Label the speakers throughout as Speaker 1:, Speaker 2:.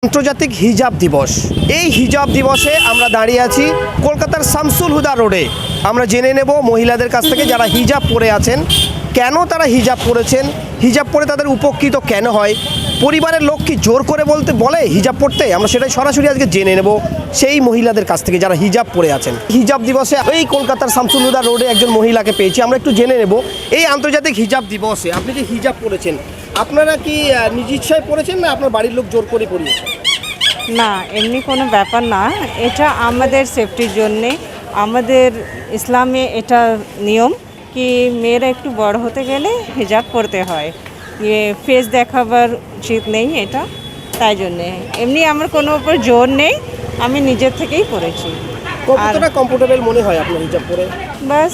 Speaker 1: আন্তর্জাতিক হিজাব দিবস। এই হিজাব দিবসে আমরা দাঁড়িয়ে আছি কলকাতার শামসুল হুদা রোডে। আমরা জেনে নেব মহিলাদের কাছ থেকে যারা হিজাব পরে আছেন, কেন তারা হিজাব পরেছেন, হিজাব পরে তাদের উপকৃত কেন হয়, পরিবারের লোক কি জোর করে বলে হিজাব পরতে। আমরা সেটাই সরাসরি আজকে জেনে নেব সেই মহিলাদের কাছ থেকে যারা হিজাব পরে আছেন। হিজাব দিবসে এই কলকাতার শামসুল হুদা রোডে একজন মহিলাকে পেয়েছি, আমরা একটু জেনে নেব এই আন্তর্জাতিক হিজাব দিবসে আপনি যে হিজাব পরেছেন, আপনারা কি নিজ ইচ্ছায় পড়েছেন না আপনার বাড়ির লোক জোর করে পড়িয়েছে?
Speaker 2: না, এমনি কোনো ব্যাপার না। এটা আমাদের সেফটির জন্যে, আমাদের ইসলামে এটা নিয়ম কি মেয়েরা একটু বড় হতে গেলে হিজাব পরতে হয়। ফেস দেখাবার উচিত নেই এটা, তাই জন্যে। এমনি আমার কোনো উপর জোর নেই, আমি নিজের থেকেই পরেছি।
Speaker 1: কতটা কমফোর্টেবল মনে হয় আপনার হিজাব পরে?
Speaker 2: বাস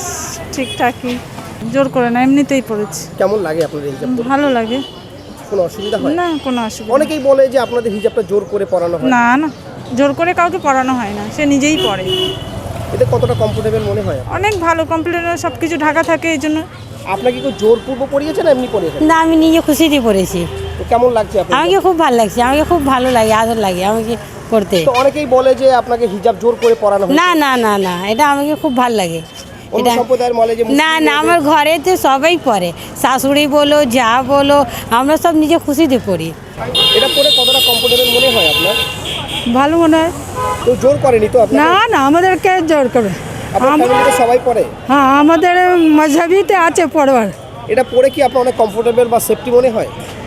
Speaker 2: ঠিকঠাকই,
Speaker 3: জোর করে না, এমনিতেই পড়েছি।
Speaker 1: কেমন লাগে আপনাদের হিজাব পরে?
Speaker 3: ভালো লাগে।
Speaker 1: কোনো অসুবিধা হয়
Speaker 3: না, কোনো অসুবিধা
Speaker 1: অনেকেই বলে যে আপনাদের হিজাবটা জোর করে পরানো হয়।
Speaker 3: না না, জোর করে কাউকে পড়ানো হয় না, সে নিজেই পড়ে।
Speaker 1: এতে কতটা কমফোর্টেবল মনে হয়?
Speaker 3: অনেক ভালো, কমপ্লিট সব কিছু ঢাকা থাকে, এই জন্য।
Speaker 1: আপনাকে কি জোরপূর্বক পরিয়েছেন না এমনি পরিয়েছেন?
Speaker 4: না, আমি নিজে খুশিতে পড়েছি।
Speaker 1: তো কেমন লাগছে আপনার?
Speaker 4: আমাকে খুব ভালো লাগছে, আমাকে খুব ভালো লাগে, আদর লাগে আমাকে পড়তে।
Speaker 1: তো অনেকেই বলে যে আপনাকে হিজাব জোর করে পরানো হয়।
Speaker 4: না না না না, এটা আমাকে খুব ভালো লাগে।
Speaker 1: অন্য
Speaker 4: এটা
Speaker 1: সম্প্রদায়ের বলে যে
Speaker 4: না না, আমার ঘরে তো সবাই পড়ে, শাশুড়ি বলো যা বলো, আমরা সব নিজে খুশিতে পড়ি।
Speaker 1: এটা পরে কতটা কমফোর্টেবল মনে হয় আপনার?
Speaker 3: ভালো মনে হয়।
Speaker 1: তো জোর করেনি তো আপনাকে?
Speaker 3: না না, আমাদেরকে জোর করে।
Speaker 1: আপনার ফ্যামিলিতে সবাই পরে?
Speaker 3: হ্যাঁ, আমাদের মজহবিতে আছে পড়বার।
Speaker 1: এটা পরে কি আপনার অনেক কমফোর্টেবল বা সেফটি মনে হয়?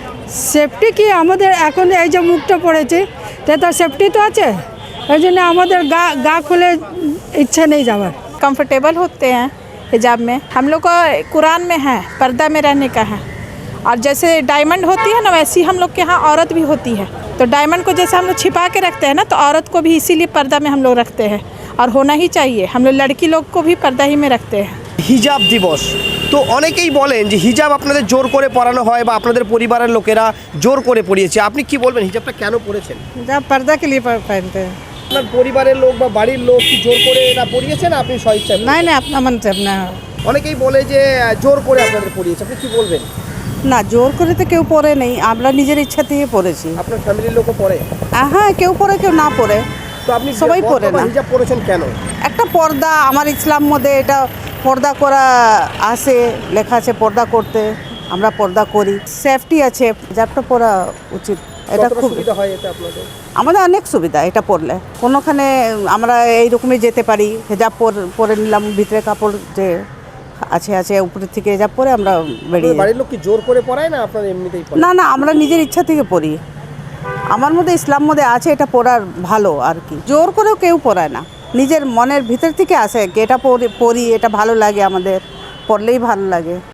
Speaker 3: সেফটি কি আমাদের এখন এই যে মুখটা পড়েছে, তাতে সেফটি তো আছে, এই জন্য আমাদের গা খুলে ইচ্ছা নেই যাওয়ার।
Speaker 5: कंफर्टेबल होते हैं हिजाब में। हम लोग को कुरान में है पर्दा में रहने का है, और जैसे डायमंड होती है ना, वैसी हम लोग के यहाँ औरत भी होती है। तो डायमंड को जैसे हम लोग छिपा के रखते हैं ना, तो औरत को भी इसीलिए पर्दा में हम लोग रखते हैं, और होना ही चाहिए। हम लोग लड़की लोग को भी पर्दा ही में रखते हैं।
Speaker 1: হিজাব দিবস তো অনেকেই বলেন যে হিজাব আপনাদের জোর করে পরানো হয় বা আপনাদের পরিবারের লোকেরা জোর করে পরিয়েছে। আপনি কি বলবেন, হিজাবটা কেন পরেছেন?
Speaker 2: যা पर्दा के लिए पहनते हैं।
Speaker 1: আপনার পরিবারের লোক বা বাড়ির লোক কি জোর করে এটা পরিয়েছে না আপনি স্বেচ্ছায়?
Speaker 2: नहीं नहीं, अपना मन से अपना।
Speaker 1: অনেকেই বলে যে জোর করে আপনাদের পরিয়েছে, আপনি কি বলবেন?
Speaker 2: না, জোর করে তো কেউ পরে নেই, আমরা নিজের ইচ্ছা থেকে পরেছি।
Speaker 1: আপনার ফ্যামিলির লোকও পরে?
Speaker 2: হ্যাঁ, কেউ পরে কেউ না পরে,
Speaker 1: তো আপনি
Speaker 2: সবাই পরে না।
Speaker 1: হিজাব পরেছেন কেন?
Speaker 2: একটা পর্দা, আমার ইসলাম মধ্যে এটা পর্দা করা আছে, লেখা আছে পর্দা করতে, আমরা পর্দা করি। সেফটি আছে, হিজাবটা পরা উচিত। এটা
Speaker 1: কতটা
Speaker 2: খুব
Speaker 1: সুবিধা হয় এতে আপনাদের?
Speaker 2: আমাদের অনেক সুবিধা এটা পরলে। কোনোখানে আমরা এইরকমই যেতে পারি, হেজাব পরে নিলাম, ভিতরে কাপড় যে আছে উপরের থেকে হেজাব পরে আমরা বেরিয়ে
Speaker 1: আপনাদের বাড়ির লোক কি জোর করে পরায় না আপনারা এমনিতেই পরেন?
Speaker 2: না না, আমরা নিজের ইচ্ছা থেকে পরি। আমার মধ্যে ইসলাম মধ্যে আছে এটা পরার ভালো আর কি। জোর করেও কেউ পরায় না, নিজের মনের ভিতর থেকে আসে কি এটা পরি, এটা ভালো লাগে, আমাদের পরলেই ভালো লাগে।